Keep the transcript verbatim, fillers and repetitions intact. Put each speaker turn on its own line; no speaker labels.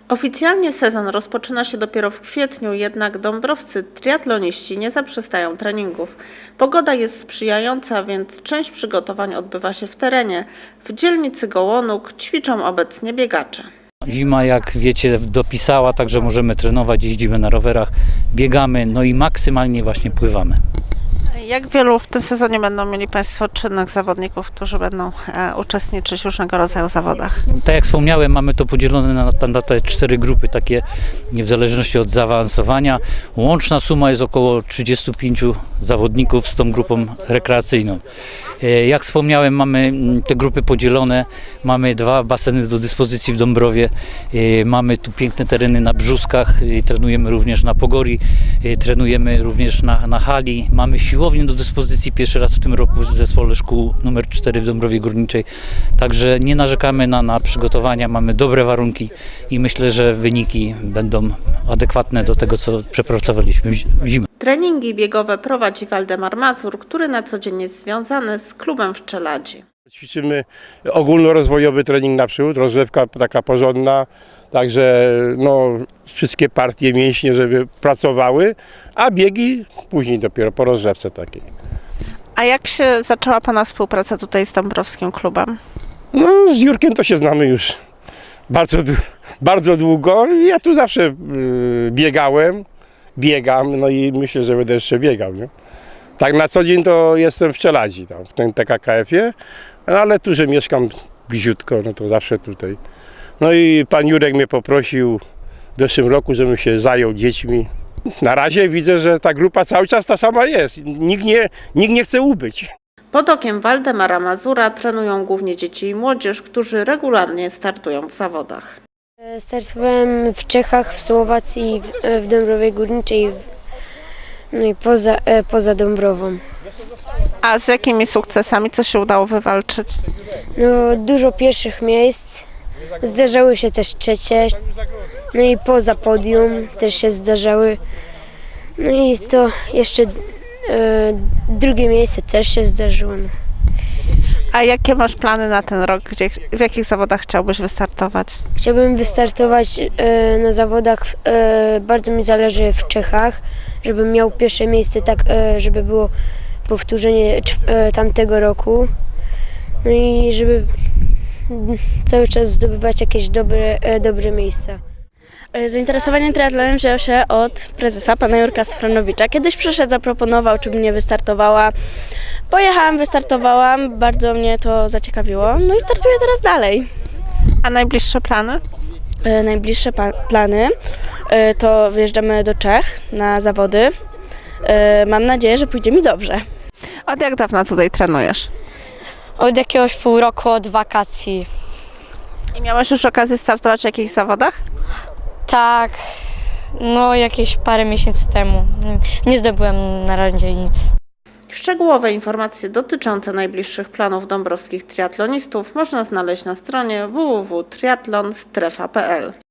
Oficjalnie sezon rozpoczyna się dopiero w kwietniu, jednak dąbrowscy triatloniści nie zaprzestają treningów. Pogoda jest sprzyjająca, więc część przygotowań odbywa się w terenie. W dzielnicy Gołonóg ćwiczą obecnie biegacze.
Zima, jak wiecie, dopisała, także możemy trenować, jeździmy na rowerach, biegamy, no i maksymalnie właśnie pływamy.
Jak wielu w tym sezonie będą mieli Państwo czynnych zawodników, którzy będą e, uczestniczyć w różnego rodzaju zawodach?
Tak jak wspomniałem, mamy to podzielone na, na, na te cztery grupy, takie w zależności od zaawansowania. Łączna suma jest około trzydziestu pięciu zawodników z tą grupą rekreacyjną. Jak wspomniałem, mamy te grupy podzielone, mamy dwa baseny do dyspozycji w Dąbrowie, mamy tu piękne tereny na Brzuskach, trenujemy również na Pogori, trenujemy również na, na hali, mamy siłownię do dyspozycji pierwszy raz w tym roku w zespole szkół numer cztery w Dąbrowie Górniczej, także nie narzekamy na, na przygotowania, mamy dobre warunki i myślę, że wyniki będą adekwatne do tego, co przepracowaliśmy w zimę.
Treningi biegowe prowadzi Waldemar Mazur, który na co dzień jest związany z klubem w Czeladzi.
Ćwiczymy ogólnorozwojowy trening naprzód, rozgrzewka taka porządna, także no, wszystkie partie mięśnie, żeby pracowały, a biegi później dopiero po rozgrzewce takiej.
A jak się zaczęła Pana współpraca tutaj z Dąbrowskim Klubem?
No, z Jurkiem to się znamy już bardzo, bardzo długo. Ja tu zawsze yy, biegałem, biegam, no i myślę, że będę jeszcze biegał. Nie? Tak na co dzień to jestem w Czeladzi, tam, w tym T K K F-ie, no, ale tu, że mieszkam bliziutko, no to zawsze tutaj. No i pan Jurek mnie poprosił w zeszłym roku, żebym się zajął dziećmi. Na razie widzę, że ta grupa cały czas ta sama jest. Nikt nie, nikt nie chce ubyć.
Pod okiem Waldemara Mazura trenują głównie dzieci i młodzież, którzy regularnie startują w zawodach.
Startowałem w Czechach, w Słowacji, w Dąbrowie Górniczej, no i poza, poza Dąbrową.
A z jakimi sukcesami, co się udało wywalczyć?
No, dużo pierwszych miejsc, zdarzały się też trzecie, no i poza podium też się zdarzały. No i to jeszcze e, drugie miejsce też się zdarzyło. No.
A jakie masz plany na ten rok? Gdzie, w jakich zawodach chciałbyś wystartować?
Chciałbym wystartować e, na zawodach, e, bardzo mi zależy w Czechach, żebym miał pierwsze miejsce, tak e, żeby było powtórzenie e, tamtego roku. No i żeby cały czas zdobywać jakieś dobre, e, dobre miejsca.
Zainteresowanie triatlonem wzięło się od prezesa, pana Jurka Sfranowicza. Kiedyś przyszedł, zaproponował, czy bym nie wystartowała. Pojechałam, wystartowałam, bardzo mnie to zaciekawiło, no i startuję teraz dalej.
A najbliższe plany?
E, najbliższe pa- plany e, to wyjeżdżamy do Czech na zawody. E, mam nadzieję, że pójdzie mi dobrze.
Od jak dawna tutaj trenujesz?
Od jakiegoś pół roku, od wakacji.
I miałeś już okazję startować w jakichś zawodach?
Tak, no jakieś parę miesięcy temu. Nie zdobyłem na razie nic.
Szczegółowe informacje dotyczące najbliższych planów dąbrowskich triatlonistów można znaleźć na stronie w w w kropka triatlon strefa kropka p l.